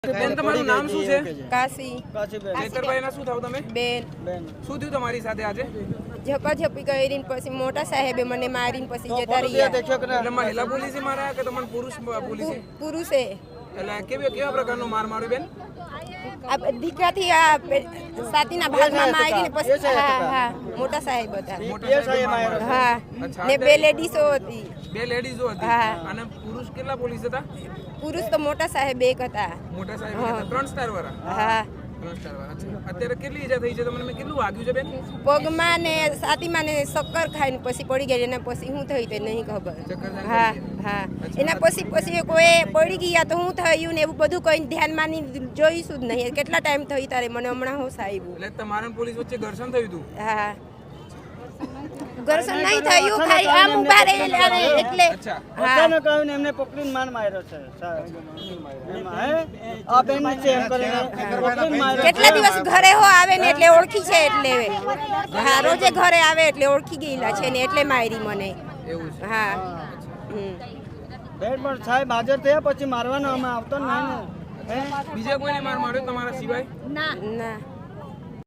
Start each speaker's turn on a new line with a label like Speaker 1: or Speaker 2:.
Speaker 1: બેન તમારું નામ શું છે?
Speaker 2: કાશી.
Speaker 1: ચેતરભાઈ ના શું થાવ તમે?
Speaker 2: બેન.
Speaker 1: શું થયું તમારી સાથે આજે?
Speaker 2: ઝપાઝપી કરીને પછી મોટા સાહેબે મને મારીને પછી જતા રહ્યા.
Speaker 1: એટલે મહિલા પોલીસે માર્યા કે તમને પુરુષ પોલીસે?
Speaker 2: પુરુષે.
Speaker 1: એટલે કેવા પ્રકારનો માર માર્યો બેન?
Speaker 2: આ દીકરાથી આ સાતીના ભાગમાં મારીને પછી હા મોટા સાહેબ હતા.
Speaker 1: મોટા સાહેબ
Speaker 2: હા ને બે લેડીઝો હતી.
Speaker 1: બે લેડીઝો હતી અને પુરુષ કેટલા પોલીસ હતા?
Speaker 2: પુરુષ તો મોટા સાહેબ એક હતા.
Speaker 1: મોટા સાહેબ 3 સ્ટાર વાળા?
Speaker 2: હા
Speaker 1: 3 સ્ટાર વાળા. અત્યારે કેટલી ઈજા થઈ છે તમને? કેટલું વાગ્યું છે બેન?
Speaker 2: પગમાં ને છાતીમાં ને શક્કર ખાઈને પછી પડી ગઈ. એના પછી શું થયું તે નહીં ખબર. હા હા એના પછી કોઈ પડી ગયા તો શું થયું ને એવું બધું કઈ ધ્યાનમાં નહીં જોઈશું જ નહીં. કેટલા ટાઈમ થઈ તારે મને હમણાં હોશ આવ્યું.
Speaker 1: એટલે તમારા પોલીસ વચ્ચે ઘર્ષણ થયું હતું?
Speaker 2: હા ઘર્ષણ નહીં થયું, ખાલી આમ ઉભા રહેલા એટલે
Speaker 3: અચાનક આવીને એમને પકડીને માર માર્યો છે. આ બેન છે એમ કરીને પકડીને માર્યો.
Speaker 2: કેટલા દિવસ ઘરે હો આવે ને એટલે ઓળખી છે એટલે હા રોજે ઘરે આવે એટલે ઓળખી ગયેલા છે ને એટલે મારી મને.
Speaker 1: એવું છે?
Speaker 2: હા
Speaker 3: બેન પણ સાહેબ હાજર થયા પછી મારવાનો અમે આવતો નહીં ને.
Speaker 1: બીજા કોઈને માર માર્યો તમારા સિવાય?
Speaker 2: ના